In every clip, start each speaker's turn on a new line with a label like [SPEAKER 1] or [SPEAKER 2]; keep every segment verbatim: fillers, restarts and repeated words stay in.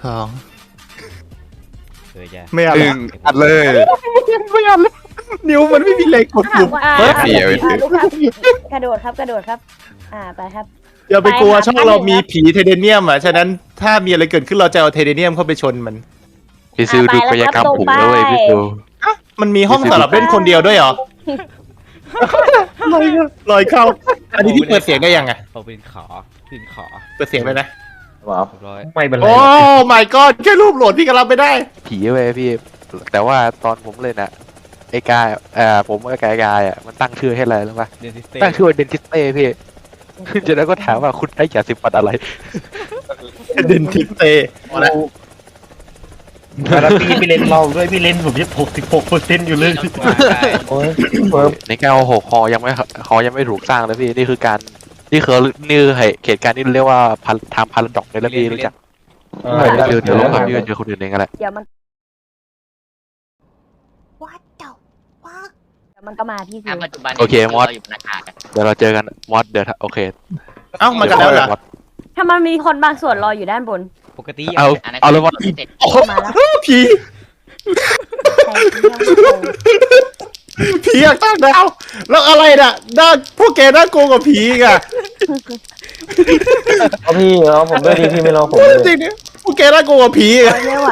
[SPEAKER 1] อง
[SPEAKER 2] เคยจะ
[SPEAKER 1] ไม่เอา
[SPEAKER 3] หนึ่งอัดเลย
[SPEAKER 1] ไม่เอาเลยนิ้วมันไม่มีแรงกด
[SPEAKER 4] ถา
[SPEAKER 1] ปุ่
[SPEAKER 4] ม
[SPEAKER 1] ม
[SPEAKER 4] ว่าอ่า
[SPEAKER 3] เฮ้ยเดี๋ยว
[SPEAKER 4] อ่าลูกครับกระโดดครับกระโดดครับ อ่าไปครับ
[SPEAKER 1] อย่าไปกลัว
[SPEAKER 4] ไปครับ
[SPEAKER 1] ช่องเรามีผีเทเดเนียมอ่ะฉะนั้นถ้ามีอะไรเกิดขึ้นเราจะเอาเทเดเนียมเข้าไปชนมัน
[SPEAKER 3] พี่ซิวดูกายกรรมผมด้วยพี่ซิว
[SPEAKER 1] มันมีห้องสำหรับเล่นคนเดียวด้วยเหรอลอยลอยเข้าอันนี้พี่เปิดเสียงได้ยังไง
[SPEAKER 2] เอาเป็นขอเป็นขอ
[SPEAKER 1] เปิดเสียงเลยนะ
[SPEAKER 5] ว้าว
[SPEAKER 2] เรียบร้อย
[SPEAKER 5] ไม่เป็นไร
[SPEAKER 1] โอ้ my god แค่รูปโหลดพี่ก็รับไม่ได้
[SPEAKER 3] ผีเว้ยพี่ แต่ว่าตอนผมเล่นอะไอ้กายเอ่อผมกับกายกายอะมันตั้งชื่อให้อะไรรู้ป่ะ
[SPEAKER 2] เดนทิสเต้
[SPEAKER 3] ตั้งชื่อว่าเดนทิสเต้พี่จากนั้นก็ถามว่าคุณได้ยาสีฟันอะไร
[SPEAKER 1] เดนทิสเต้มาแล้ว
[SPEAKER 5] แล้วพี่พี่เล่นเราด้วยพี่เล่นผมยี่หกสิบหกเปอร์เซ็นต์อยู่เลยโอ้ยเฟิร์ม
[SPEAKER 3] ในเก้าหกคอยังไม่คอยังไม่ถูกสร้างเลยพี่นี่คือการนี่คือนี่คือเหตุการณ์ที่เรียกว่าพันทำพาราดอกในแล้วพี่รู้จักเดี๋ยวเดี๋ยวลงกับพี่เจอคนอื่นเองกันแหละ
[SPEAKER 4] เดี๋ยวมัน
[SPEAKER 6] What the fuck
[SPEAKER 4] เดี๋ยวมันก็มาพี่ซิว
[SPEAKER 7] ปัจจุบัน
[SPEAKER 3] โอเคมอส
[SPEAKER 7] ราอยู่บนอากาศอะ
[SPEAKER 3] เดี๋ยวเราเจอกันมอสเดี๋ยวโอเค
[SPEAKER 1] เอ้ามากันแล้วเหรอ
[SPEAKER 4] ถ้ามันมีคนบางส่วนรออยู่ด้านบน
[SPEAKER 2] ปกติ
[SPEAKER 3] เอา
[SPEAKER 7] อันนั้น
[SPEAKER 3] เอาเลยมอส
[SPEAKER 7] คือเจ็ด
[SPEAKER 1] โอ้โห
[SPEAKER 4] มาแล้ว
[SPEAKER 1] ผี
[SPEAKER 4] ใครที่ยังไม่โต
[SPEAKER 1] ผีอยากตั้งดาวแล้วอะไรน่ะน่าพวกแกน่ากลัวกว่าผีอีกอ่ะ
[SPEAKER 5] เอาพี่เอาผมด้วยดิพี่ไม่รอผมเลย
[SPEAKER 1] จริงเนี่ยพวกแกน่ากลัวกว่าผีอีกอะ
[SPEAKER 4] ไม่ไหว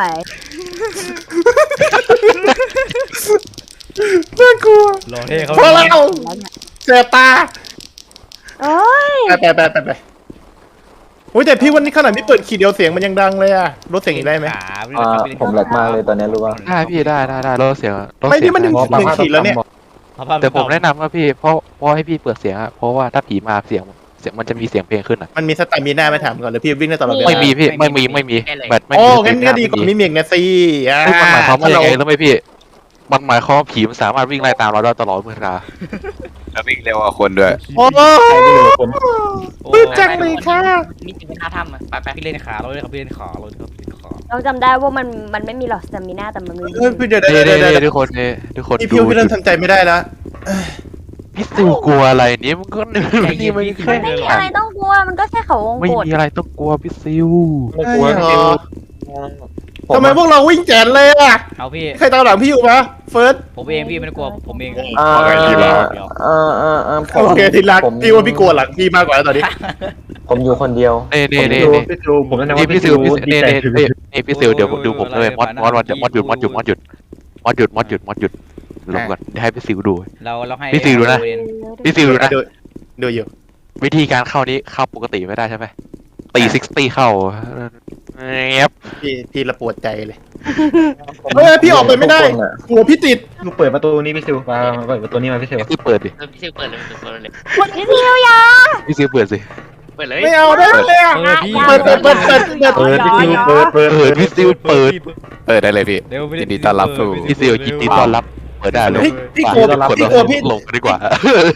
[SPEAKER 1] น่ากลัว
[SPEAKER 2] รอให้เขา
[SPEAKER 1] พอแล้ว
[SPEAKER 4] แล้วเนี่ย
[SPEAKER 1] แสบตา
[SPEAKER 4] โอ้ย
[SPEAKER 1] ไปไปไปไปไปโอ้ยแต่พี่วันนี้ขนาดที่เปิดขีดเดียวเสียงมันยังดังเลยอะลดเสียงอีกได้ไหม
[SPEAKER 2] ขา
[SPEAKER 5] อ่าผมแหลกมากเลยตอนนี้รู้ป่ะ
[SPEAKER 3] ได้พี่ได้ได้ได้ลดเสียงลด
[SPEAKER 1] ไม่
[SPEAKER 3] เสีย
[SPEAKER 1] นี่
[SPEAKER 3] ง
[SPEAKER 1] มันหนึ่ง
[SPEAKER 5] เพราะ
[SPEAKER 1] หนึ่งขีดแล้วเนี่ย
[SPEAKER 3] แต่ผมแนะนำว่าพี่เพราะเพราะให้พี่เปิดเสียงอะเพราะว่าถ้าผีมาเสียงเสียงมันจะมีเสียงเพลงขึ้นอะ
[SPEAKER 1] มันมีสตามิน่าไหม่ถามก่อนเลยพี่วิ่งได้ตลอดเวลา
[SPEAKER 3] ไม่มีพี่ไม่มีไม่มีแบบไม่
[SPEAKER 1] โอ้
[SPEAKER 3] มี
[SPEAKER 1] งั้นก็ดีกว่าไม่มีเอกนะสิอ่า
[SPEAKER 3] มันหมายความว่ายังไงรู้ไหมพี่ มันหมายความว่าผีมันสามารถวิ่งไล่ตามเราได้ตลอดเวลาแล้ววิ่งเร็วกว่าคนด้วย
[SPEAKER 1] โอ้
[SPEAKER 5] ใครไม่รู้ผม
[SPEAKER 1] ปื้มจังเลยค่ะ
[SPEAKER 7] นี่เป็นท่าทำอะไปไป
[SPEAKER 2] พี่เล่นขาเราเล่นเขาพี่เล่นขาเราเล่นเขาพี่เล่นขา
[SPEAKER 4] เราจำได้ว่ามันมันไม่มีหลอดสเตมิน่าแต่มันมี
[SPEAKER 1] เฮ้ยพี่เดี๋ยว
[SPEAKER 3] เดี๋
[SPEAKER 1] เดี๋ยว
[SPEAKER 3] ยว
[SPEAKER 1] เดี๋ยว
[SPEAKER 3] เดี๋
[SPEAKER 1] เดี๋
[SPEAKER 3] ย
[SPEAKER 1] ยว ว
[SPEAKER 3] ทุกคนเนี่ยทุกคน
[SPEAKER 1] พี่
[SPEAKER 3] ดู
[SPEAKER 1] พี่พี่เริ่มทำใจไม่ได้แล้ว
[SPEAKER 3] พี่ซิวกลัวอะไรเนี่ยมันก็นี่มันแค่
[SPEAKER 4] ไม่มีอะไรต้องกลัวมันก็แค่เขาวง
[SPEAKER 3] ไม่
[SPEAKER 4] กด
[SPEAKER 3] มีอะไรต้องกลัวพี่ซิว
[SPEAKER 5] ไม่กลัว
[SPEAKER 1] ไม่
[SPEAKER 5] พี่
[SPEAKER 1] หรอ
[SPEAKER 5] ผม
[SPEAKER 1] ทำไมพวกเราวิ่งแจนเลยอ่ะ
[SPEAKER 2] เอาพี่
[SPEAKER 1] ใครตามหลังพี่อยู่ปะเฟิร์ส
[SPEAKER 2] ผมเองพี่ไม่ต้องกลัวผมเอง
[SPEAKER 5] อ่าอ่าอ่าอ่าผม
[SPEAKER 1] โอเคทีรัก
[SPEAKER 5] ผม
[SPEAKER 1] พี่ว่าพี่กลัวหลังพี่มากกว่าแล้วตอนนี้
[SPEAKER 5] ผมอยู่คนเดียว
[SPEAKER 3] เน่เน่เน่
[SPEAKER 5] ผม
[SPEAKER 3] เน่
[SPEAKER 5] พี่ซิวผมแนะนำ
[SPEAKER 3] นี่
[SPEAKER 5] ว่า
[SPEAKER 3] พี่
[SPEAKER 5] พี่
[SPEAKER 3] ซิ
[SPEAKER 5] ซิ
[SPEAKER 3] ว
[SPEAKER 5] ว
[SPEAKER 3] พี่
[SPEAKER 5] ดี
[SPEAKER 3] เน่
[SPEAKER 5] ใจ
[SPEAKER 3] เน่เน่นี่พี่ซิวเดี๋ยวดูผมเลยมอดมอดมอดมอดหยุดมอดหยุดมอดหยุดมอดหยุดมอดหยุดมอดหยุดลงก่อนให้พี่ซิวดู
[SPEAKER 2] เราเราให้
[SPEAKER 3] พี่ซิวดูนะ พี่ซิวดูนะ
[SPEAKER 1] ดูดูอยู่
[SPEAKER 3] วิธีการเข้านี้เข้าปกติไม่ได้ใช่ไหมตีซิกตี้เข้าเงียบ
[SPEAKER 1] พี่พี่ระปวดใจเลยเฮ้ยพี่ออกไปไม่ได้กลัวพี่ติด
[SPEAKER 5] ลูกเปิดประตูนี้พี่ซิวมาเปิดประตูนี้มาพี่ซิว
[SPEAKER 3] พี่เปิดดิ
[SPEAKER 7] เออพี่ซิวเปิดเลยเปิดเลย
[SPEAKER 4] พี่ซิวยา
[SPEAKER 3] พี่ซิวเปิดสิ
[SPEAKER 7] เปิดเลย
[SPEAKER 1] ไม่เอาได้เลยอ่ะ
[SPEAKER 2] เปิดพี่
[SPEAKER 1] เปิดเปิดเปิดเปิดเปิด
[SPEAKER 5] เปิดพี่ซิวเปิดเปิด
[SPEAKER 3] เปิดพี่ซิวเปิด เปิดได้เลยพี่
[SPEAKER 2] เร็ว
[SPEAKER 3] ยินดีต้อนรับสู่พี่ซิวยินดีต้อนรับเปิดได้เลย
[SPEAKER 1] พี่พี่กลัวพี่กลัวพี่
[SPEAKER 3] ลงดีกว่า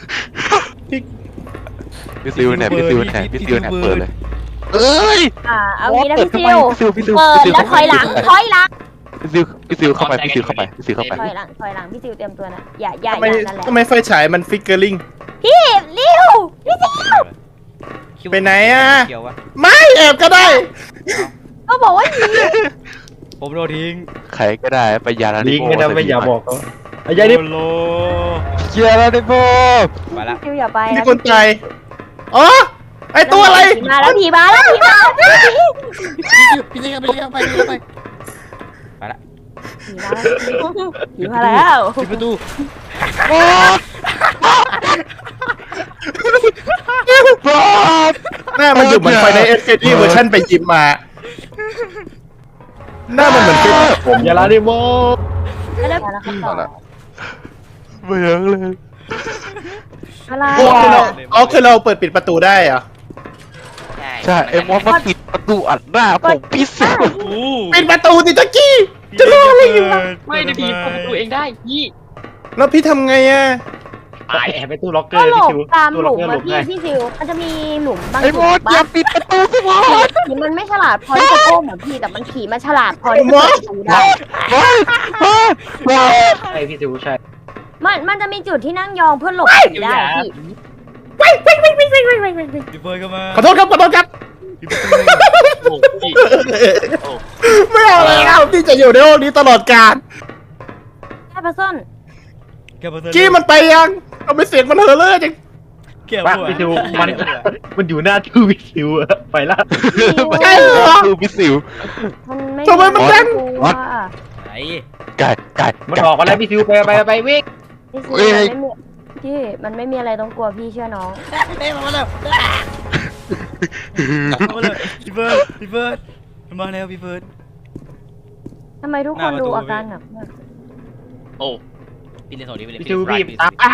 [SPEAKER 3] พี่ซิวเนี่ยพี่ซิวเนี่ยพี่ซิวเนี่ยเปิดเลยเอ้ย
[SPEAKER 4] อ่าเอางี้นะพี่ซิว
[SPEAKER 3] พี่ซิวพี่ซิว
[SPEAKER 4] เปิดแล้วถอยหลังถอยหลัง
[SPEAKER 3] พี่ซิวพี่ซิวเข้าไปพี่ซิวเข้าไปพี่ซิวเข้าไป
[SPEAKER 4] ถอยหลังถอยหลังพี่ซิวเตรียมตัวนะอย่าอย่า
[SPEAKER 1] ทำไม
[SPEAKER 4] อย่านั่นแหละ
[SPEAKER 1] ทำไมไฟฉายมันฟิกเกอร์ลิง
[SPEAKER 4] พี่เร็วพี่ซิว
[SPEAKER 1] ไปไหนอ่ะ
[SPEAKER 2] เกี่ยววะ
[SPEAKER 1] ไม่แอบก็ได้
[SPEAKER 4] ก็บอกว่าหนี
[SPEAKER 2] ผมโดนทิ้ง
[SPEAKER 3] ใครก็ได้ไปยาลา
[SPEAKER 5] ลิ
[SPEAKER 3] นิ
[SPEAKER 5] ง
[SPEAKER 3] โม
[SPEAKER 5] ไม่ได้ไม่อย่าบอกเขาไอ้ยัยนี่
[SPEAKER 2] โล
[SPEAKER 3] ยาลานิโม
[SPEAKER 2] ไปละ
[SPEAKER 4] ซิวอย่าไป
[SPEAKER 1] มี
[SPEAKER 4] นะ
[SPEAKER 1] คนตายอ๋อไอตัวอะไร
[SPEAKER 4] ผีมาแล้วผีมาแล้วผีมาแล้วผี
[SPEAKER 2] พี่ซิวไปเรียกไปเรียกไปไปละ
[SPEAKER 4] มาแล้วผีมาแล้ว
[SPEAKER 2] ปิดประตู
[SPEAKER 1] หน้ามันอยู่เหมือนไฟในเอสเที่เวอร์ชันไปยิมมา หน้ามันเหมือนเป็น
[SPEAKER 5] ผมยาลาดิโม
[SPEAKER 4] แล้วแล้วครับต่อ
[SPEAKER 3] เบื่อเลย
[SPEAKER 4] อะไร
[SPEAKER 1] อ๋อคือเรา
[SPEAKER 4] อ่ะ
[SPEAKER 1] อ๋อคือเราเปิดปิดประตูได้เหรอ
[SPEAKER 7] ใช่
[SPEAKER 3] ใช่ไอ้มอสมาปิดประตูอัดหน้าผมพี่ซิว
[SPEAKER 1] ปิดประตูสิตะกี้ จะรออะไรอยู่ล่ะ
[SPEAKER 7] ไม่ได้ผีเปิดประตูเองได้ยี่
[SPEAKER 1] แล้วพี่ทำไงอ่ะ
[SPEAKER 5] ตายแอบไปตู้ล็อกเกอ
[SPEAKER 4] ก็
[SPEAKER 5] ร์
[SPEAKER 4] หล
[SPEAKER 5] พี่
[SPEAKER 4] บ
[SPEAKER 5] ซิว
[SPEAKER 4] ตาม
[SPEAKER 5] ตู้
[SPEAKER 4] ห
[SPEAKER 5] ล็
[SPEAKER 4] ลุ
[SPEAKER 5] อก
[SPEAKER 4] ม
[SPEAKER 5] เกอร์หล
[SPEAKER 4] มา
[SPEAKER 5] บ
[SPEAKER 4] พี่
[SPEAKER 5] ได้
[SPEAKER 4] พี่ซิวมันจะมีหลุมบาง
[SPEAKER 3] ไอ้
[SPEAKER 4] จุ
[SPEAKER 3] มอส
[SPEAKER 4] ด
[SPEAKER 3] อย่า
[SPEAKER 4] บ้าง
[SPEAKER 3] ปิดประตูสิมอส
[SPEAKER 4] ผีมันไม่ฉลาดพอที่จะโก้เหมือนพี่แต่มันผีมันฉลาดพอที่จะเปิดประตูได้
[SPEAKER 3] มอสมอส
[SPEAKER 5] ใช่พี่ซิวใช่
[SPEAKER 4] มันมันจะมีจุดที่นั่งยองเพื่อหลบผีได้พี่
[SPEAKER 2] พี่เฟิร์นเข้ามา
[SPEAKER 1] ขอโทษครับขอโทษครับ
[SPEAKER 2] ปิดประตู
[SPEAKER 7] โอ้พี่โอ้
[SPEAKER 1] ไม่เอาแล้วพี่จะอยู่ในห้องนี้ตลอดกาล
[SPEAKER 4] แค่ปลาส้น
[SPEAKER 2] แกมาเจอ
[SPEAKER 1] กี้มันไปยังเอาไปเสียงมันเหอะเลยจัง
[SPEAKER 2] เกี่ยว
[SPEAKER 5] ว่า
[SPEAKER 2] หัว
[SPEAKER 5] พี่ซิวมันมันอยู่หน้าทูวิซิวอะไปละ
[SPEAKER 1] ใช่เหรอ
[SPEAKER 3] คือพิสิว
[SPEAKER 4] มันไม่
[SPEAKER 1] ทำไมมันดัง
[SPEAKER 4] กลัว
[SPEAKER 3] วัด
[SPEAKER 2] ไหน
[SPEAKER 3] ไก่ไก่
[SPEAKER 5] มันออกมาแล้วพี่ซิวไปไปไปวิ่ง
[SPEAKER 4] พี่
[SPEAKER 3] เอ้
[SPEAKER 4] ซิ
[SPEAKER 3] ย
[SPEAKER 4] มันไม่มีพี่มันไม่มีอะไรต้องกลัวพี่เชื่อน้อง
[SPEAKER 2] เต้มาแล้วมาเลยพี่เฟิร์สพี่เฟิร์สมาแล้วพี่เฟิร์ส
[SPEAKER 4] ทำไมทุก
[SPEAKER 2] ห
[SPEAKER 4] ค
[SPEAKER 2] น้าน ประตู
[SPEAKER 4] ดูอาการหนักมาก
[SPEAKER 7] โอ้
[SPEAKER 2] พี่เล่นสองนี้ไปเลย
[SPEAKER 5] พี่ซิวบีบตามอ่ะ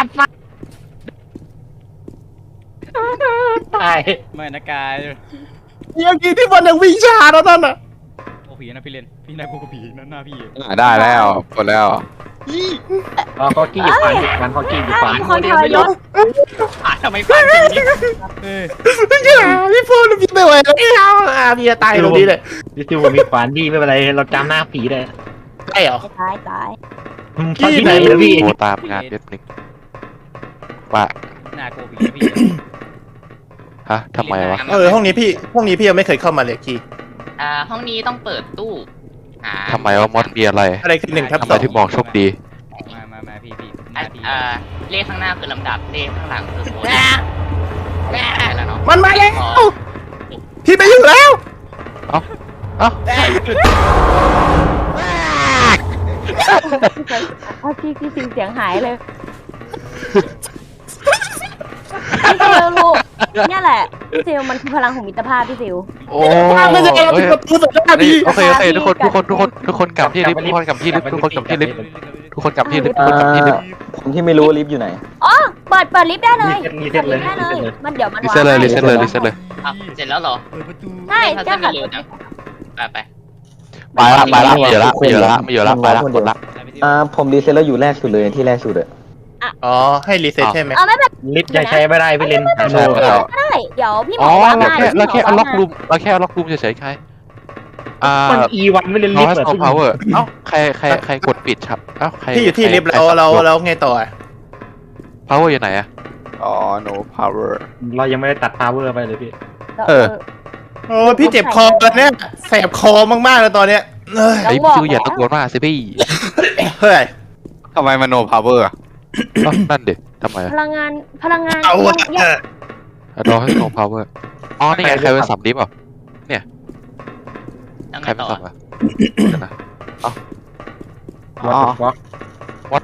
[SPEAKER 5] ตาย
[SPEAKER 2] ไม่นะกาย
[SPEAKER 1] ยังกี้ที่มันยังวิ่งช้าแล้วนั่นน่ะ
[SPEAKER 2] โอ้ผีนะพี่เล่นพี่นายกูกับผีนั่นหน้าพี่
[SPEAKER 3] ได้แล้วหมดแล้ว
[SPEAKER 5] อ๋อคอกี้อยู่ฟันมันคอกี้อยู่ฟัน
[SPEAKER 4] ทุกคนทรยศ
[SPEAKER 7] อ่ะทำไมฟันอย่างนี้
[SPEAKER 2] เฮ้ย
[SPEAKER 1] พี่พูดพี่ไม่ไหวแล้วอ่ะพี่จะตายตรงนี้เลย
[SPEAKER 5] พี่ซิวมีฟันดีไม่เป็นไรเราจำหน้าผีได้
[SPEAKER 1] ใช่เหรอ
[SPEAKER 4] ตายตาย
[SPEAKER 5] ฟันที่ไหนเลยพี่
[SPEAKER 3] โทรตามงานนิดนึงว่า
[SPEAKER 2] หน้ากูผีนะพี่
[SPEAKER 3] ฮะทำไมวะ
[SPEAKER 1] เออห้องนี้พี่ห้องนี้พี่ยังไม่เคยเข้ามาเลยกี้
[SPEAKER 7] อ่าห้องนี้ต้องเปิดตู้หา
[SPEAKER 3] ทำไมวะมอสมีอะไร
[SPEAKER 1] อะไรคือหนึ่งทับ
[SPEAKER 3] ทำ
[SPEAKER 1] ส
[SPEAKER 3] ไม
[SPEAKER 1] อง
[SPEAKER 3] ถึงบอกโชคดี
[SPEAKER 2] มามามาพี่พี่ห
[SPEAKER 7] อ่ะ
[SPEAKER 2] น้าพี่
[SPEAKER 7] อ่าเลขข้างหน้าคือลำดับเลขข้างหลังคือโค้ดแม่แล้วเนาะ
[SPEAKER 1] มันมาแล้วพี่ไปอยู่แล้ว
[SPEAKER 3] เอ้าเอ้า
[SPEAKER 4] เอาพี่พี่ซิวเสียงหายเลยพี่ซิวลูกเนี่ยแหละพี่ซิวมันคือพลังของมิตรภาพพี่ซิว
[SPEAKER 3] โอ้
[SPEAKER 1] ไม่ใช่เรา
[SPEAKER 3] เอ้
[SPEAKER 1] ปิด
[SPEAKER 3] ย
[SPEAKER 1] ประตูใส่หน้าพี่
[SPEAKER 3] โอเคโอเคทุกคนทุกคนทุกคนทุกคนกลับที่ลิฟต์ทุกคนกลับที่ลิฟต์ทุกคนกลับที่ลิฟต์ทุกคนกลับที่ลิฟต์ทุกคนกลับที่ลิฟต์
[SPEAKER 8] ผมที่ไม่รู้ว่าลิฟต์อยู่ไหน
[SPEAKER 4] อ๋อเปิดเปิดลิฟต์ได้เลย
[SPEAKER 5] รี
[SPEAKER 4] เปิ
[SPEAKER 5] เซ็
[SPEAKER 4] ด
[SPEAKER 5] ตเล
[SPEAKER 4] ลิ
[SPEAKER 5] ย
[SPEAKER 4] ฟต์ได้เลย มันเดี๋ยวมัน
[SPEAKER 3] รีเซ็ตเลยรีเซ็ตเลยรีเซ็ตเลย
[SPEAKER 7] อ่ะเสร็จแล้วเหรอ
[SPEAKER 2] เปิดประตู
[SPEAKER 4] ใช่
[SPEAKER 7] เลข
[SPEAKER 4] เจ้า
[SPEAKER 7] พั
[SPEAKER 4] ค่ะ
[SPEAKER 7] นเร็วจังไปไป
[SPEAKER 3] ไปละไปละไม่เยอะละไม่เยอะละไม่เยอะละไปละหมดละ
[SPEAKER 8] อ่า ผมรีเซ็ตแล้วอยู่แรกสุดเลยที่แรกสุดอะ
[SPEAKER 1] อ๋อให้รีเซ็ตใช่ไหม
[SPEAKER 4] เอาไม่เป็น
[SPEAKER 5] ลิฟต์ยังใช้ไม่ได้พี่เลน
[SPEAKER 3] ใช่ไม่ได้
[SPEAKER 4] ไรได้เดี๋ยวพี่หม
[SPEAKER 3] อ๋
[SPEAKER 4] อ
[SPEAKER 3] อ
[SPEAKER 4] ว่า
[SPEAKER 3] เรา
[SPEAKER 4] มา
[SPEAKER 3] แค่เราแค่เอาล็อกรูมเราแค่เอาล็อกรูมเฉยๆใครอ่า
[SPEAKER 5] มันอีวันไม่เลน
[SPEAKER 3] เรา
[SPEAKER 5] ลิฟ
[SPEAKER 3] ให้
[SPEAKER 5] ต์
[SPEAKER 3] โซพาวเวอร์เอ้าใครใครใครกดปิดครับเอ้าใคร
[SPEAKER 1] พี่อยู่ที่ลิฟต์แล้วเราเราไงต่ออ่ะ
[SPEAKER 3] พาวเวอร์อยู่ไหนอะ
[SPEAKER 9] อ๋อ no power
[SPEAKER 5] เรายังไม่ได้ตัดพาวเวอร์ไปเลยพี่
[SPEAKER 3] เออ
[SPEAKER 1] โอ้พี่เจ็บคอแล้วเนี่ยแสบคอมากๆเลยตอนเนี้ยเอ้ย
[SPEAKER 3] ไอ้คิวอย่าตะโกนมากสิพี่
[SPEAKER 1] เฮ้ย
[SPEAKER 9] ทำไมมัน no power อะ
[SPEAKER 3] เอ้านั่นดิทำไม
[SPEAKER 4] พลังงานพลังงาน
[SPEAKER 1] เอา
[SPEAKER 4] ยังยัง
[SPEAKER 3] รอให้โซพาวเวอร์อ๋อนี่ไงใครเป็นสับดิฟอ่ะ
[SPEAKER 7] ต้อง
[SPEAKER 3] ใคร
[SPEAKER 7] ไง
[SPEAKER 3] เป็น
[SPEAKER 7] ต่อ
[SPEAKER 3] สับอ่ะเดี๋ยวนะ
[SPEAKER 5] อ๋อ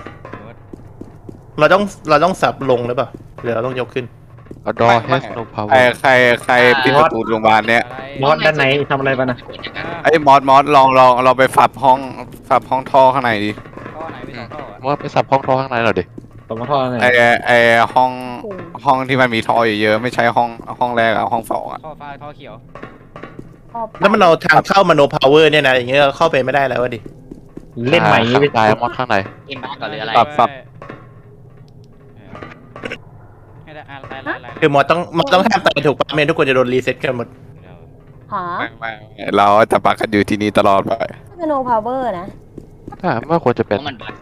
[SPEAKER 1] เราต้องเราต้องสับลงหรือเปล่าหรือเราต้องยกขึ้น
[SPEAKER 3] รอให้โซพาวเว
[SPEAKER 9] ใคร
[SPEAKER 3] อร์
[SPEAKER 9] ใครใครปิดประตูโรงพยาบาลเนี่ย
[SPEAKER 5] มอสด้านไหนทำอะไรไปนะ
[SPEAKER 9] ไอ้มอสมอสลองลองเราไปฝับห้องฝับห้องท่อข้างในดิ
[SPEAKER 2] ท่อไหนไม่ต้องท่ออ่ะ
[SPEAKER 3] ว่าไปสับห้องท้อข้างในหน่อยดิ
[SPEAKER 5] ตรงท่อไหน
[SPEAKER 9] ไอ้ไอ้ห้องห้องที่มันมีท่อเยอะๆไม่ใช่ห้องห้องแรกอะห้องสองอะ
[SPEAKER 2] ท่อฟ้าท่อเขียว
[SPEAKER 1] แล้วมันเอาทางเข้ามาโนพาวเวอร์เนี่ยนะอย่างเงี้ยเข้าไปไม่ได้แล้วดิ
[SPEAKER 5] เล่นใหม่
[SPEAKER 3] ไป
[SPEAKER 5] ไป
[SPEAKER 3] ตายมอดข้างใน
[SPEAKER 7] เอ็มบ้าก่อนหรืออะไร
[SPEAKER 9] ปรับปรับ
[SPEAKER 2] ให้ได้อ่านไล่ไล่ไล่
[SPEAKER 1] คือมอต้องมอต้องห้ามตายถูกปะไม่งั้นทุกคนจะโดนรีเซ็ตกันหมด
[SPEAKER 4] หา
[SPEAKER 9] ไม่ไม่ไม่เราจะปักกันอยู่ที่นี่ตลอดไป
[SPEAKER 4] โนพาวเวอร์นะ
[SPEAKER 3] ถ้าไม่ควรจะ
[SPEAKER 7] เพ
[SPEAKER 3] เป็น
[SPEAKER 7] ราะมันบั๊ก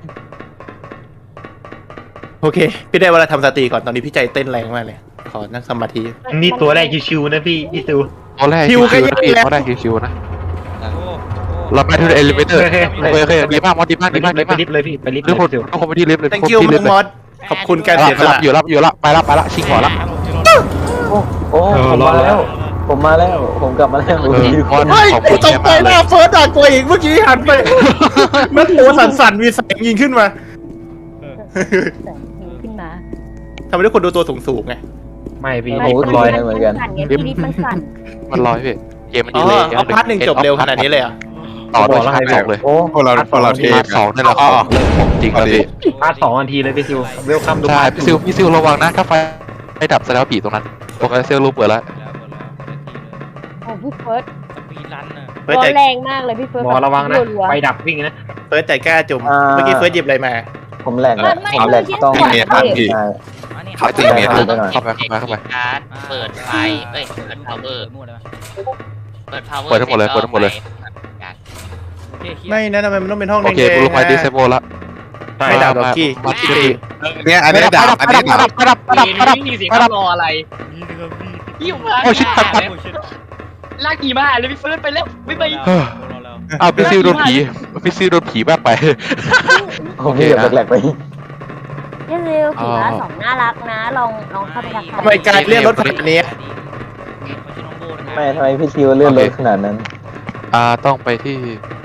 [SPEAKER 1] โอเค พี่ได้เวลาทำสติก่อนตอนนี้พี่ใจเต้นแรงมากเลย ขอนั่งสมาธิ
[SPEAKER 5] นี่ตัวแรกชิวๆนะพี่พี่ซิว
[SPEAKER 3] ตัวแรก
[SPEAKER 1] คิ
[SPEAKER 3] คิ
[SPEAKER 1] ว
[SPEAKER 3] ว
[SPEAKER 1] ก็
[SPEAKER 3] คิว
[SPEAKER 1] เย
[SPEAKER 3] นะ
[SPEAKER 1] อะ
[SPEAKER 3] พี่
[SPEAKER 1] แล้ว
[SPEAKER 3] ตัวแรกคิวๆนะ
[SPEAKER 2] โอ้โห
[SPEAKER 3] เราไปที่เอลิเวเตอร์โอเคโอเคดีมากมอดดีมาก
[SPEAKER 5] ไป
[SPEAKER 3] ดีมาก
[SPEAKER 5] ลิ
[SPEAKER 3] ดี
[SPEAKER 5] ฟต์ไป
[SPEAKER 3] มาก
[SPEAKER 5] ลิฟต์เลยพี่ไปลิฟต์
[SPEAKER 3] ทุกคน
[SPEAKER 5] ซิว
[SPEAKER 3] ทุกคนไปที่ลิฟต์เลยทุก
[SPEAKER 1] thank
[SPEAKER 3] คน
[SPEAKER 1] you
[SPEAKER 3] ที่ลิฟ
[SPEAKER 1] มึ
[SPEAKER 3] ต์
[SPEAKER 1] ง
[SPEAKER 3] เลย
[SPEAKER 1] มอสขอบคุณการ
[SPEAKER 3] รับ
[SPEAKER 1] เสียส
[SPEAKER 3] รั
[SPEAKER 1] ละ
[SPEAKER 3] บอยู่รับอยู่รับไปละไปละชิงหัวละ
[SPEAKER 8] โอ้ ผมมาแล้ว ผมมาแล้ว ผมกลับมาแล้ว
[SPEAKER 3] เออมอด
[SPEAKER 1] เฮ้ย
[SPEAKER 3] ขอบ
[SPEAKER 1] กู
[SPEAKER 3] คุณ
[SPEAKER 1] ต
[SPEAKER 3] แก
[SPEAKER 1] กใจ
[SPEAKER 3] มาก
[SPEAKER 1] ห
[SPEAKER 3] เล
[SPEAKER 1] น้าย เฟิร์สด่ากลัวอีกเมื่อกี้หันไปมันตัวสั่นๆมีแสงยิงขึ้นมา
[SPEAKER 4] ขึ้นมา
[SPEAKER 1] ทำให้ทุกคนดูตัวสูงๆไง
[SPEAKER 5] ไม่พี่
[SPEAKER 8] โอ้โหลอยเหมือนกัน
[SPEAKER 4] สั่นไงพี่ลิฟต์มันสั่น
[SPEAKER 3] มันลอยพี่เกมมัน
[SPEAKER 1] อ๋
[SPEAKER 3] ดี
[SPEAKER 1] อ
[SPEAKER 3] เลย
[SPEAKER 1] เอาพาร์ทหนึ่งจบเร็วขนาดนี้เลยเหรอ่ะ
[SPEAKER 3] ต่อด้วยพาร์ทสองเลย
[SPEAKER 8] โอ้
[SPEAKER 9] พวกเราพวกเราเท
[SPEAKER 3] พาร์ทสองนี่แหละ
[SPEAKER 9] อ๋อ
[SPEAKER 3] ของจริงเลยพี่
[SPEAKER 5] พาร์ทสองนาทีเลยพี่ซิวเวลคัมดู
[SPEAKER 3] ใช่พี่ซิวพี่ซิวระวังนะถ้าไฟไฟดับแสดงว่าผีตรงนั้นโอเคเซลล์รูปเปิดแล้ว
[SPEAKER 2] แล้วแล้ว
[SPEAKER 4] โอ้พี่เฟิร์ส
[SPEAKER 2] สปีดรันน่ะ
[SPEAKER 1] เฟิร์ส
[SPEAKER 4] ตัว
[SPEAKER 1] ใจ
[SPEAKER 4] แรงมากเลยพี่เฟิร์ส
[SPEAKER 5] หมอระวังนะ
[SPEAKER 4] รัวๆ
[SPEAKER 5] ไฟดับวิ่งนะ
[SPEAKER 1] เฟิร์สใจกล้าจุ่มเมื่อกี้เฟิร์สหยิบอะไรมา
[SPEAKER 8] ผมแหลกแหละ
[SPEAKER 4] ไม่
[SPEAKER 8] ผมแหลก
[SPEAKER 4] ไม่
[SPEAKER 8] ต้อง
[SPEAKER 4] ไม่
[SPEAKER 9] เมียตามพี่
[SPEAKER 8] ใช่
[SPEAKER 2] มานี่
[SPEAKER 9] เขาตีเมีย
[SPEAKER 8] ไป
[SPEAKER 9] ตาม
[SPEAKER 8] หน่อย
[SPEAKER 3] เข้าไปเข้าไปเข้าไป
[SPEAKER 7] การ์ดเปิดไฟเอ้ยเปิดพาวเวอร์
[SPEAKER 2] มั่วได้ไหม
[SPEAKER 7] เปิดพาวเวอร์
[SPEAKER 3] เปิดทั้งหมดเลยเปิดทั้งหมดเลย
[SPEAKER 2] โอเคเคลียร์
[SPEAKER 1] ไม่นะทำไมมันต้องเป็นห้อง
[SPEAKER 3] โอเค
[SPEAKER 1] แดง
[SPEAKER 3] กูลง
[SPEAKER 1] ๆ
[SPEAKER 3] ไปดิ
[SPEAKER 1] นะ
[SPEAKER 3] เซโบละ
[SPEAKER 1] ไม่ดับหรอกกี้
[SPEAKER 3] มา
[SPEAKER 1] กี้
[SPEAKER 3] ที่
[SPEAKER 1] ตี
[SPEAKER 9] เนี่ยอันนี้ดับอันนี้ดับ
[SPEAKER 3] ประดับประดับประดับ
[SPEAKER 7] มีเสียงรออะไร
[SPEAKER 2] นี่นะครับพี่
[SPEAKER 7] พี่อยู่มา
[SPEAKER 3] โอ้ชิดตัดตัด
[SPEAKER 2] โอ้ชิต
[SPEAKER 7] แลากผีมาเลยพี่เฟิร์สไปแล้วไม่ไป
[SPEAKER 3] เฮ้ยอ้าวพี่ซิวโดนผีพี่ซิวโดนผีแบกไป
[SPEAKER 8] ผมพี่แบบแหลกๆไป
[SPEAKER 4] พี่ซิลผีละสองน่ารักนะ ลองลองเข้าไปทักทาย
[SPEAKER 1] ทำไมการเรียกรถขนาดนี้
[SPEAKER 8] ไม่ทำไมพี่ซิวเลื่อนรถขนาดนั้น
[SPEAKER 3] อ่าต้องไปที่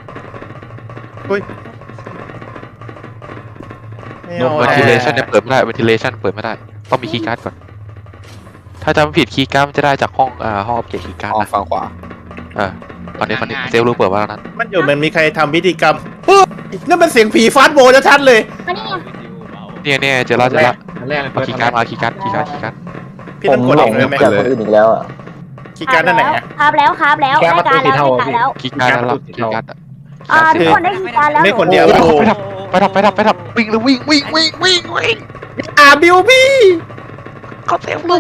[SPEAKER 1] ไม่
[SPEAKER 3] โน้
[SPEAKER 1] เอา
[SPEAKER 3] เวน
[SPEAKER 1] อะ
[SPEAKER 3] ทิเลชันเนี่ยเปิดไม่ได้เวนทิเลชันเปิดไม่ได้ต้องมีคีย์การ์ดก่อนถ้าจำไม่ผิดคีย์การ์ดมันจะได้จากห้องอ่าห้องอัปเกรดคีย์การ์ด
[SPEAKER 9] ห้อง
[SPEAKER 3] นะ
[SPEAKER 9] ฝั่งขวา
[SPEAKER 3] เออตอนนี้ตอนนี้เซลล์รู้เปิดมาแล้วนั้น
[SPEAKER 1] มันอยู่มันมีใครทำพิธีกรรมปึ๊บนั่นมันเสียงผีฟาสโบชัดๆเลย
[SPEAKER 4] มานี่ไง
[SPEAKER 3] เนี่ยเนี่ยเจอแล้วเจอแล้ว
[SPEAKER 5] อันแรกเลย
[SPEAKER 3] เอาคีย์การ์ดมาคีย์การ์ดคีย์การ์ดคีย์การ์ด
[SPEAKER 1] พี่
[SPEAKER 8] ผ
[SPEAKER 1] ต้อง
[SPEAKER 8] ม
[SPEAKER 1] กด
[SPEAKER 8] หล
[SPEAKER 1] เอง งเลยไหม
[SPEAKER 8] จากคนอื่นอีกแล้วอ่ะ
[SPEAKER 1] คีย์การ์ดนั่นไหนอะ
[SPEAKER 4] ครับแล้วครับแล้วได้การแล้วได้การแล้ว
[SPEAKER 3] คีย์การ์ดแล้วคีย์การ์ด
[SPEAKER 4] อ่าทุกคนได้คีย์การแล้ว
[SPEAKER 1] ไม่คนเดียว
[SPEAKER 3] ไปดับไปดับไปดับไปดับวิ่งเลยวิ่งวิ่งวิ่งวิ่งวิ่ง
[SPEAKER 1] อ่าบิวพี่
[SPEAKER 3] เขาเซลล์ลูก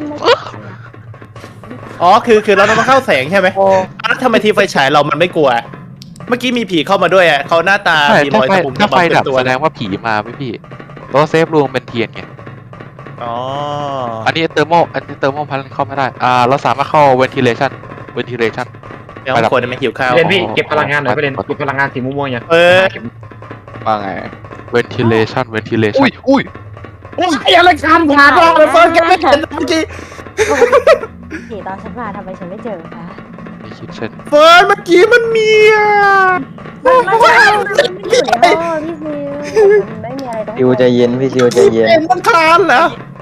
[SPEAKER 1] อ๋อคือคือเราต้องเข้าแสงใช่ไหมแล้วทำไมทีไฟฉายเรามันไม่กลัว เมื่อกี้มีผีเข้ามาด้วยอ่ะเขาหน้าตา
[SPEAKER 3] ใช่
[SPEAKER 1] มีร
[SPEAKER 3] ถ้า
[SPEAKER 1] อย
[SPEAKER 3] ไฟ
[SPEAKER 1] ตะปุ่ม
[SPEAKER 3] ถ้า
[SPEAKER 1] ตะ
[SPEAKER 3] ไฟ
[SPEAKER 1] บัน
[SPEAKER 3] ดับ
[SPEAKER 1] เป็นตัว
[SPEAKER 3] แสดงว่าผีมาไม่พี่ตัวเซฟรูมเป็นเทียนไง
[SPEAKER 1] อ๋อ
[SPEAKER 3] อันนี้เตอร์โมอันนี้เตอร์โมพันเข้าไม่ได้อ่าเราสามารถเข้าเวนทิเลชันเวนทิเลชัน
[SPEAKER 1] เดี๋ยวคนไม่หิวข้าว
[SPEAKER 5] เล่นพี่เก็บพลังงานหน่อยไปเล่นเก็บพลังงานสีม่วงๆอย่าง
[SPEAKER 1] เออ
[SPEAKER 9] ว่าไง
[SPEAKER 3] เวนทิเลชันเวนทิเลชันอุ้ย
[SPEAKER 1] โอ้ยอะไรคันผ่านเราเลยเฟิร์นแกไม่เห็นเมื่อกี้
[SPEAKER 4] ผีตอนฉันมาทำไมฉันไม่เจอคะ
[SPEAKER 3] มีคิดเช่น
[SPEAKER 1] เฟิร์นเมื่อกี้มันมีอ่ะ
[SPEAKER 4] มันไม่มันอยู่ในห้องพี่ซิลมันไม่มีอะไรต้อง
[SPEAKER 8] ซิวใจเย็นพี่ซิวใจเย็น
[SPEAKER 1] เห็นมันคลานเหรอ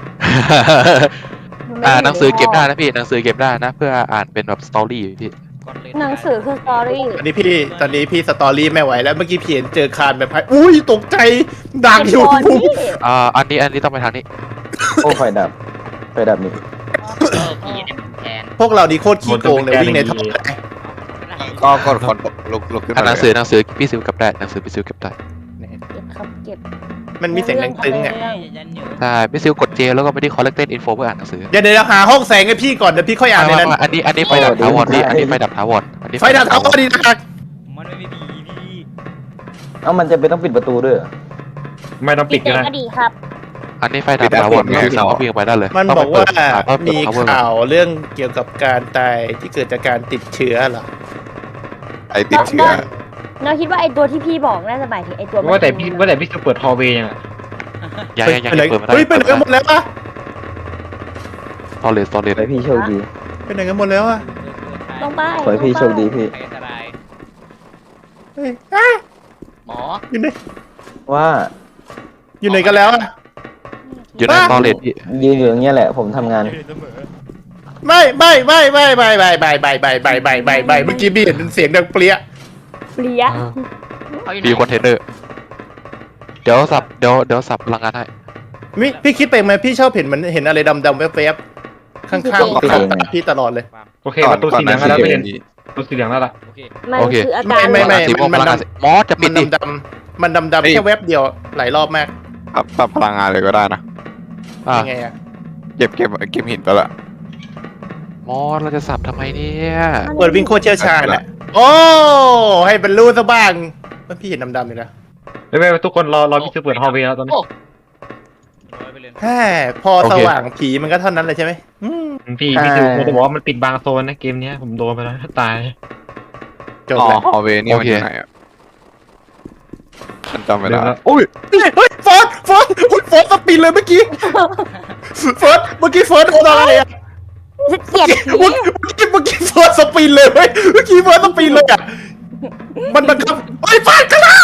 [SPEAKER 3] อ่าหนังสือเก็บได้นะพี่หนังสือเก็บได้นะเพื่ออ่านเป็นแบบสตอรี่พี่
[SPEAKER 4] หนังสือคือสตอรี่
[SPEAKER 1] ตอนนี้พี่ตอนนี้พี่สตอรี่ไม่ไหวแล้วเมื่อกี้พี่เห็นเจอคานแบบอุ้ยตกใจดังอยู่
[SPEAKER 3] อ่าอันนี้อันนี้ต้องไปทางนี้
[SPEAKER 8] โอ้ไฟดับไฟดับนี่
[SPEAKER 7] เออผีเนี่ยแทน
[SPEAKER 1] พวกเราดีโคตรขี้โกงเลยวิ่งในท่อ
[SPEAKER 9] ก็กดคนลุกลุกขึ้น
[SPEAKER 3] อ่าน
[SPEAKER 9] มา
[SPEAKER 3] หนังสือหนังสือพี่ซิวเก็บได้หนังสือพี่ซิวเก็บได้
[SPEAKER 4] เก็บครับเก็บ
[SPEAKER 1] มันมีเสียงดังตึงอ่ะ
[SPEAKER 3] ใช่พี่ซิวกดเจแล้วก็ไปที่ collected info เพื่ออ่านหนังสือ
[SPEAKER 1] เดี๋ยวเดี๋ยวหาห้องแสงให้พี่ก่อนเดี๋ยวพี่ค่อยอ่านในนั้น
[SPEAKER 3] อันนี้อันนี้ไฟดับถาวรพี่อันนี้ไฟดับถาวรอันนี้
[SPEAKER 1] ไฟดับทั้งหมดดีนะ
[SPEAKER 7] มันไม่มีผีพี่
[SPEAKER 8] เอ้ามันจะเป็นต้องปิดประตูด้วยเหรอ
[SPEAKER 5] ไม่ต้อง
[SPEAKER 4] ปิ
[SPEAKER 5] ปิ
[SPEAKER 4] ด
[SPEAKER 5] ด
[SPEAKER 4] เจ
[SPEAKER 5] ก็ได้
[SPEAKER 4] ก็ดีครับ
[SPEAKER 3] อันนี้ไฟดับถาวรพี่ซิวก็วิ่งไปได้เลย
[SPEAKER 1] มัน
[SPEAKER 3] ต้ง
[SPEAKER 1] บ
[SPEAKER 3] ไป
[SPEAKER 1] อกว่า
[SPEAKER 3] เปิด
[SPEAKER 1] มี
[SPEAKER 3] power
[SPEAKER 1] ข่าวเรื่องเกี่ยวกับการตายที่เกิดจากการติดเชื้อเหรอ
[SPEAKER 9] ไอติดเชื้อ
[SPEAKER 4] เราคิดว่าไอตัวที่พี่บอกน่าจะหมายถึงไอตัว
[SPEAKER 5] ว่าแต่พี่ว่าแต่พี่จะเปิดฮอลเวย์ยัง
[SPEAKER 3] ยังยังยัง
[SPEAKER 1] ไปไหน
[SPEAKER 3] เปิดไม่ได้
[SPEAKER 1] เฮ้ยไปไหนกันหมดแล้วอะ
[SPEAKER 3] ตอเลสตอเลส
[SPEAKER 8] ขอให้พี่โชคดี
[SPEAKER 1] ไปไหนกันหมดแล้วอะ
[SPEAKER 4] ลงไป
[SPEAKER 8] ขอให้พี่โชคดีพี่
[SPEAKER 7] อันตราย
[SPEAKER 1] เฮ้ยอ่ะ
[SPEAKER 7] หมอ
[SPEAKER 1] อยู่ไหน
[SPEAKER 8] ว่า
[SPEAKER 1] อยู่ไหนกันแล้วอะ
[SPEAKER 3] อยู่ในตอเลสพี่
[SPEAKER 8] ยืนอยู่อย่างเงี้ยแหละผมทำงาน
[SPEAKER 1] ไม่ไม่ไม่ไม่ไม่ไม่ไม่ไม่ไม่ไม่ไม่ไม่ไม่เมื่อกี้พี่เห็นเสียงดังเปรี้ย
[SPEAKER 4] เปลี่ย
[SPEAKER 7] เขาอยู่ไห
[SPEAKER 3] มี
[SPEAKER 7] น
[SPEAKER 3] คอนเทนเนอร์เดี๋ยวสับเดี๋ยวเดี๋ยวสับพลังงานให้
[SPEAKER 1] มิพี่คิดไปไหมพี่ชอบเห็นมันเห็นอะไรดำๆแวบๆข้างๆข้างตาพี่ตลอดเลย
[SPEAKER 5] โอเคประตูสีเหลืองแล้วไปเล่นประตูสีเหลืองแล้วล่ะ
[SPEAKER 4] มัน
[SPEAKER 3] โอเค
[SPEAKER 4] คืออาการ
[SPEAKER 1] ไม่ไม่
[SPEAKER 3] สีม่วงพลังงานมอสจะปิ
[SPEAKER 1] มั
[SPEAKER 3] ด
[SPEAKER 1] น
[SPEAKER 3] ดิ
[SPEAKER 1] ดำๆมันดำๆแค่แวบเดียวหลายรอบมาก
[SPEAKER 9] ปรับปรับพลังงานเลยก็ได้นะ
[SPEAKER 3] อ่ะ
[SPEAKER 1] ยังไงอะ
[SPEAKER 9] เก็บเก็บเก็บหินไปละ
[SPEAKER 3] มอสเราจะสับทำไมเนี่ย
[SPEAKER 1] เปิดวิ่งโคตรเชี่ยวชาญอะโอ้ให้เป็นรู้ซะบ้างมันพี่เห็นดำๆอยู่นะ
[SPEAKER 5] ไม่ไม่ทุกคนรอรอพี่จะเปิดฮอลเวย์แล้วตอนนี้
[SPEAKER 1] แค่พอสว่างผีมันก็เท่านั้นเลยใช่ไหมอืม
[SPEAKER 5] พี่พี่จะจะบอกว่ามันปิดบางโซนนะเกมนี้ผมโดนไปแล้วตาย
[SPEAKER 1] จบ
[SPEAKER 9] อ๋อ
[SPEAKER 1] แล้ว
[SPEAKER 9] ฮอลเวย์นี่มันอยู่ไหนอ่ะฉันจำไม่ได้
[SPEAKER 1] โอ้ยเฮ้ยเฟิร์สเฟิร์สอุ๊ยเฟิร์สสปินเลยเมื่อกี้เฟิร์สเมื่อกี้เฟิร์สโดนอะไรอะ
[SPEAKER 4] จะเกลียดผี
[SPEAKER 1] เมื่อกี้เมื่อกี้เฟิร์สสปินเลยเว้ยเมื่อกี้เฟิร์สสปินเลยอะมันบังคับไอ้ยฟาดกันละ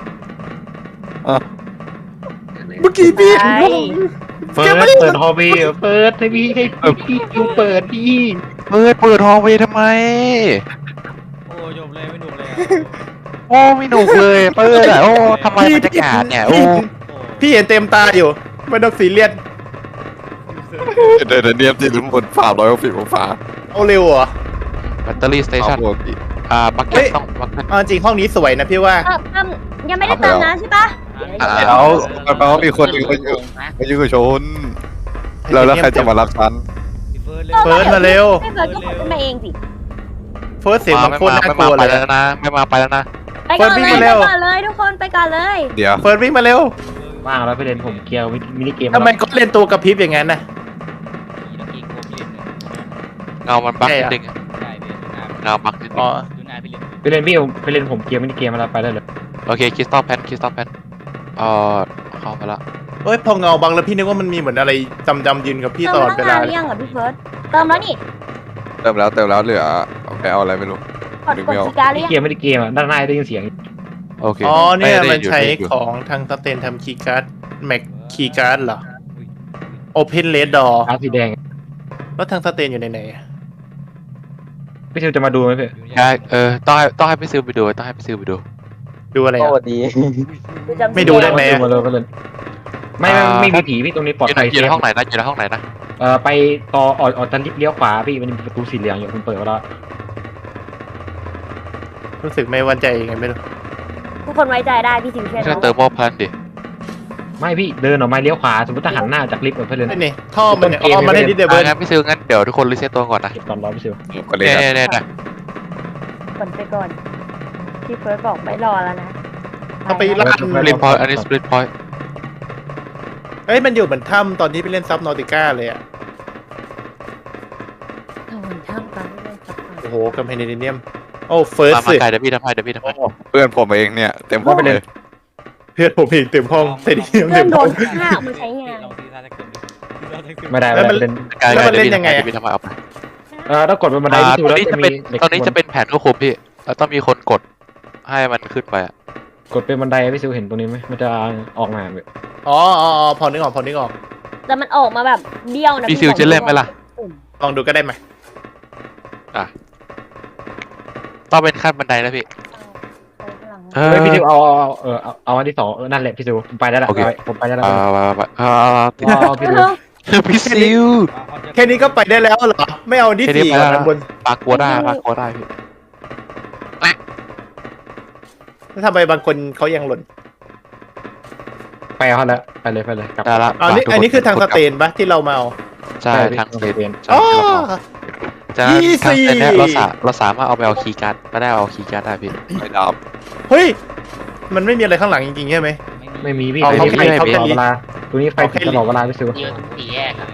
[SPEAKER 1] เมื่อกี้พี่
[SPEAKER 5] เปิดเปิดฮอลเวย์เปิดให้พี่ให้พี่ยูเปิดพี่
[SPEAKER 3] เปิดเปิดฮอลเวย์ทำไม
[SPEAKER 2] โอ้จบเลยไม่หนุกเลย
[SPEAKER 3] โอ้ไม่หนุกเลยเปิดอ่ะโอ้ทำไมบรรยากาศเนี่ยโอ้
[SPEAKER 1] พี่เห็นเต็มตาอยู่ไม่ต้องซีเรียส
[SPEAKER 9] เดี๋ยวเดี๋ยวเนียมที่ลุ้นบนฝ่าร้อยหกสิบองศา
[SPEAKER 1] เอาเร็วเหรอ
[SPEAKER 3] แบตเตอรี่สเตชัน
[SPEAKER 9] ปกติ
[SPEAKER 3] อ่าบัก
[SPEAKER 1] เฮ้
[SPEAKER 3] เก็ต
[SPEAKER 1] ย
[SPEAKER 3] ต้องบักเก็ต
[SPEAKER 1] เอาจริงห้องนี้สวยนะพี่ว่า
[SPEAKER 4] เออเอิ่มยังไม่ได้เติมน้ำใช่ปะ
[SPEAKER 3] อ่า
[SPEAKER 9] เดี๋ยวแปลว่ามีคนอยู่คนอยู่คนอยู่ชนแล้วแล้วใครจะมารับฉัน
[SPEAKER 2] เฟิร์สเลย
[SPEAKER 1] เฟิร์สมาเร็ว
[SPEAKER 4] ไม่เฟิร์สก็ขึ้นมาเองสิ
[SPEAKER 1] เฟิร์สเสียงมัน
[SPEAKER 3] ไม่
[SPEAKER 1] โคตร
[SPEAKER 3] มา
[SPEAKER 1] น่า
[SPEAKER 3] ไม่
[SPEAKER 1] กลั
[SPEAKER 3] มาว ไป
[SPEAKER 1] เลย
[SPEAKER 3] แล้วนะไม่มาไปแล้วนะ
[SPEAKER 4] ไปก่อน
[SPEAKER 1] เฟิ
[SPEAKER 4] เล
[SPEAKER 1] ร์สวิ่
[SPEAKER 4] ย
[SPEAKER 1] ง
[SPEAKER 4] ไป
[SPEAKER 1] มาเร็ว
[SPEAKER 4] ก่อนเลยทุกคนไปก่อนเลย
[SPEAKER 9] เดี๋ยว
[SPEAKER 1] เฟิร์สวิ่งมาเร็ว
[SPEAKER 5] ว่างแล้วไปเล่นผมเกียวมินิเกม
[SPEAKER 1] ทำไมก็เล่นตัวกระพริบอย่างนั้นนะ
[SPEAKER 3] เงามันบักนิดนึง
[SPEAKER 2] ใช่พี่
[SPEAKER 3] เงาบักนิดนึ
[SPEAKER 1] อ๋อง
[SPEAKER 7] ดูหน้าพี่เล่น
[SPEAKER 5] ไปเล่นพี่ไปเล่นผมเกมไม่ได้เกมอะไรไปได้เลย
[SPEAKER 3] โอเคคริสตัลแพนคริสตัลแพนเอ่อเข้าไปละ
[SPEAKER 1] เอ้ยพอเงาบังแล้วพี่นึกว่ามันมีเหมือนอะไรดำๆยืนกับพี่
[SPEAKER 4] เติ
[SPEAKER 1] ต
[SPEAKER 4] ม
[SPEAKER 1] ลอด
[SPEAKER 4] ตั้
[SPEAKER 1] เว
[SPEAKER 4] งนา
[SPEAKER 1] ลาน
[SPEAKER 4] หรือยังอ่ะพี่เฟิร์สเติมแล้วนี่
[SPEAKER 9] เติมแล้วเติมแล้วเหลือเอาไปเอาอะไรไม่รู้
[SPEAKER 4] กดกดคีย์การ์ดหรือ
[SPEAKER 5] พี่
[SPEAKER 4] ยัง
[SPEAKER 5] เกมไม่ได้เกมอ่ะด้านหน้าได้ยินเสียง
[SPEAKER 3] โอเค
[SPEAKER 1] อ๋อเนี่ย
[SPEAKER 3] ไได้
[SPEAKER 1] มันใช้
[SPEAKER 3] อยู่อยู่
[SPEAKER 1] ของทางสเตนทำคีย์การ์ดแม็กคีย์การ์ดเหรอ Open Red Door
[SPEAKER 5] อาสีแดง
[SPEAKER 1] แล้วทางสเตนอยู่ในไหนอะ
[SPEAKER 5] พี่เชลจะมาดูไหมพี่
[SPEAKER 3] ใช่เออต้องให้ต้องให้พี่ซิลไปดูต้องให้พี่ซิลไปดู
[SPEAKER 1] ดูอะไร
[SPEAKER 8] ส
[SPEAKER 1] อะ
[SPEAKER 8] วัสดี
[SPEAKER 4] จำ
[SPEAKER 1] ไม่ดูได้ไหม
[SPEAKER 5] มาเลยมาเลยไม่ไม่ไม่มีผีพี่ตรงนี้ปลอด
[SPEAKER 3] อยู่
[SPEAKER 5] ภั
[SPEAKER 3] ใน
[SPEAKER 5] ย
[SPEAKER 3] อยู่ในห้องไหนนะอยู่ในห้องไหนนะ
[SPEAKER 5] เอ่อไปต่อออกออกจันลิฟต์เลี้ยวขวาพี่มันมีประตูสีเหลืองอยู่คุณเปิดไว้แล้ว
[SPEAKER 1] รู้สึกไม่ไว้ใจยังไงไม่รู้
[SPEAKER 4] ทุกคนไว้ใจได้พี่สิวเชื่อ
[SPEAKER 3] ไม่ใช่
[SPEAKER 4] น้อง
[SPEAKER 3] เติมโมพันดิ
[SPEAKER 5] ไม่พี่เดินออกมาเลี้ยวขวาสมมติถ้าหันหน้าจากลิฟต์เพื่อนเลย
[SPEAKER 1] นี่นี่ท่อมันเนี่ยอ๋อมันได้ดิเดเบิ
[SPEAKER 3] อ่ะ
[SPEAKER 1] ร์
[SPEAKER 3] งั้นพี่ซิลงั้นเดี๋ยวทุกคนรีเซ็ตตัวก่อนนะ
[SPEAKER 5] เก็บตอนรอพี่เชล
[SPEAKER 9] ก็เลย
[SPEAKER 3] เนี่ย
[SPEAKER 9] นะ
[SPEAKER 3] เนี่ยเนี่ย
[SPEAKER 4] กดไปก่อนพี่เฟิร์สบอกไม่รอแล้วนะ
[SPEAKER 1] เอาไปลั่น
[SPEAKER 3] สปลิตพอยต์อันนี้สปลิตพอยต์
[SPEAKER 1] เอ้ยมันอยู่เหมือนถ้ำตอนที่ไปเล่นซับนอติก้าเลยอะ
[SPEAKER 4] โอ้ยท่ามกลางไม่ได้สักพัก
[SPEAKER 1] โอ้โหกัมเพนเนียมโอ้เฟิร์ส
[SPEAKER 3] มามาไกลเดี๋ยวพี่ทำให้เดี๋ยวพี่ทำให้
[SPEAKER 9] เพื่อนผมเองเนี่ยเต็มห้องเลย
[SPEAKER 1] เพื่อนผมเองเต็มห้องเต็มเนียม
[SPEAKER 4] เริ่
[SPEAKER 1] เต็
[SPEAKER 4] ม
[SPEAKER 1] ม
[SPEAKER 4] โด
[SPEAKER 1] ห้อง
[SPEAKER 4] นฆ่าเอามาใช้งาน
[SPEAKER 5] ไม่ได้
[SPEAKER 1] แล้
[SPEAKER 5] ไม่
[SPEAKER 1] วมัน
[SPEAKER 5] ได้เล่น
[SPEAKER 3] ไกล
[SPEAKER 1] แล้วมัน
[SPEAKER 3] เดี๋ยว
[SPEAKER 1] เล่น
[SPEAKER 3] พี่
[SPEAKER 1] ยังไง
[SPEAKER 3] ทำให้
[SPEAKER 1] อะ
[SPEAKER 3] เดี๋ยวพี่ทำให้เอาไป
[SPEAKER 5] เอ่อถ้ากดเป็นบันได
[SPEAKER 3] อ่า
[SPEAKER 5] พี่
[SPEAKER 3] ต
[SPEAKER 5] ดู
[SPEAKER 3] อน
[SPEAKER 5] แล้ว
[SPEAKER 3] นี้
[SPEAKER 5] จะ
[SPEAKER 3] จะ
[SPEAKER 5] มี
[SPEAKER 3] เป็น
[SPEAKER 5] เหล็ก
[SPEAKER 3] ตอนนี้จะเป็นแผนควบคุมพี่แล้วต้องมีคนกดให้มันขึ้นไปอะ
[SPEAKER 5] กดเป็นบันไดพี่ซิวเห็นตรงนี้ไหมมันจะออกมาแบบ
[SPEAKER 1] อ๋ออ๋ออ๋อพอนึกออกพอนึกออก
[SPEAKER 4] แต่มันออกมาแบบเบี้ยวนะ
[SPEAKER 3] พี่ซิลจะเล่นไหมล่ะ
[SPEAKER 1] ลองดูก็ได้ไหม
[SPEAKER 3] ต้องเป็นขั้นบันไดนะพี่เออ
[SPEAKER 5] เฮ้ยพี่ซิวเอาเอาเอาเออเอาเอาอันที่สองเออนั่นแหละพี่ซิวผมไปได้แล้ว
[SPEAKER 3] โอเค
[SPEAKER 5] เอาผมไปได้แล้ว
[SPEAKER 3] เอาไปไปไปเอาติด
[SPEAKER 5] เอาเอาพี่ซิว
[SPEAKER 3] พี่ซิล
[SPEAKER 1] แค่นี้ก็ไปได้แล้วเหรอไม่เอาที่
[SPEAKER 3] แค่นี้
[SPEAKER 1] สี่
[SPEAKER 3] ไป
[SPEAKER 1] ก่อน
[SPEAKER 3] แล้ว
[SPEAKER 1] นะบน
[SPEAKER 3] ปากกัวได้ปากกัวได้พี่
[SPEAKER 1] แล้วทำไมบางคนเขายังหล่น
[SPEAKER 5] ไปเอาแล้วไปเลยไปเลยกลับ
[SPEAKER 3] ได้ละ
[SPEAKER 1] อ๋อนี่อันนี้คือทางสเตนปะที่เรามาเอา
[SPEAKER 3] ใช่
[SPEAKER 5] ใช่
[SPEAKER 3] ทางสเตน
[SPEAKER 5] ทางสเตน
[SPEAKER 3] ใช่
[SPEAKER 1] อ๋อ
[SPEAKER 3] จากนั้น
[SPEAKER 1] ยี่สิบ
[SPEAKER 3] ทางสเตนเนี่ยเราสาเราสามารถเอาไปเอาคีย์การ์ดมาได้เอาคีย์การ์ดได้พี่
[SPEAKER 9] ไม่ดับ
[SPEAKER 1] เฮ้ยมันไม่มีอะไรข้างหลังจริงๆใช่ไหม
[SPEAKER 5] ไม่มีพี่
[SPEAKER 1] เอา
[SPEAKER 5] ไป
[SPEAKER 1] เขา
[SPEAKER 5] พี่
[SPEAKER 1] ให้เขา
[SPEAKER 5] ต
[SPEAKER 1] แค่
[SPEAKER 5] ลอด
[SPEAKER 1] นี้
[SPEAKER 5] เวลาตัวนี้ไฟติดตลอดเวลาพี่ซิว
[SPEAKER 7] เยอะทุกสี่แยกอะ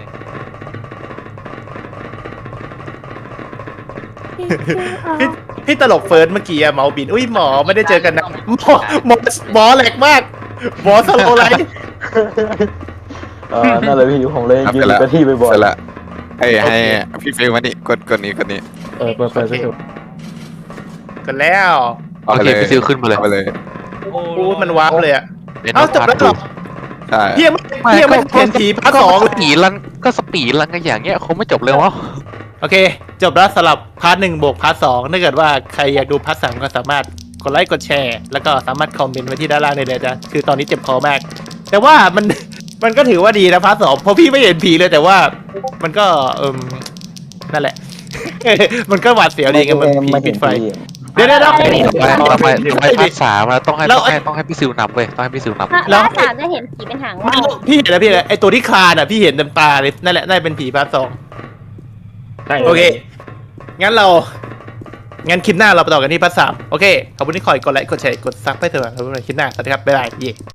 [SPEAKER 1] พี่พี่ตลกเฟิร์สเมื่อกี้อะเมาบินอุ้ยหมอไม่ได้เจอกันนะหมอหมอหมอแหลกมากหมอสโลว์ไลท์
[SPEAKER 8] เออนั่นแหละพี่ผมเลยยืนอยู่กับที่บ่อย
[SPEAKER 9] เสร็จละให้ให้พี่ฟิลมานี่กดกดนี้กดนี้
[SPEAKER 5] เออเปิดเปิดพี่ซิว
[SPEAKER 1] กันแล้ว
[SPEAKER 3] โอเคพี่ซิลขึ้นมาเลย
[SPEAKER 9] เอาไปเลย
[SPEAKER 1] พูดมันวาร์ปเลยอะ
[SPEAKER 3] เป็น
[SPEAKER 1] เอ้าจบแล้วเหรอ
[SPEAKER 9] ใช่
[SPEAKER 1] พี่ยังไม่พี่ยังไม่เห็นผีพาร์ทสอง
[SPEAKER 3] ส
[SPEAKER 1] เลย
[SPEAKER 3] ปีดลันก็สปีดลันกันอย่างเงี้ยคงไม่จบเลยวะ
[SPEAKER 1] โอเค จบแล้วสำหรับพาร์ทหนึ่งบวกพาร์ทสองถ้าเกิดว่าใครอยากดูพาร์ทสามก็สามารถกดไลค์กดแชร์ แล้วก็สามารถคอมเมนต์ไว้ที่ด้านล่างได้เลยจ้ะคือตอนนี้เจ็บคอมาก แต่ว่ามัน มันก็ถือว่าดีนะพาร์ทสองเพราะพี่ไม่เห็นผีเลยแต่ว่ามันก็เอิมนั่นแหละ มันก็หวาดเสียวดีไงมันผีปิดไฟ เดี๋ยวเดี๋ยวเดี๋ยว
[SPEAKER 3] ต่อไปต่อไปต่อไปพาร์ทสามอะต้องให้
[SPEAKER 1] แล้
[SPEAKER 3] ต้
[SPEAKER 1] ว
[SPEAKER 3] องให้ต้องให้พี่ซิลนำเว้ยต้องให้พี่ซิลนำ
[SPEAKER 4] ถ้า
[SPEAKER 1] แล้ว
[SPEAKER 4] ถ้าสามจะเห็นผีเป็นหาง
[SPEAKER 1] ไม่
[SPEAKER 4] ว่าว
[SPEAKER 1] พี่เห็นแล้วพี่เห็นแล้วไอตัวที่คลานอ่ะพี่เห็นเต็มตาเลยนั่นแหละน่าจะเป็นผีพาร์ทสอง
[SPEAKER 5] ใช่
[SPEAKER 1] โอเค งั้นเรา งั้นคลิปหน้าเราไปต่อกันที่พาร์ทสามโอเค ขอบคุณที่คอยกดไลค์ กดแชร์ กดซับให้เถอะครับคลิปหน้า สวัสดีครับ บ๊ายบายเย่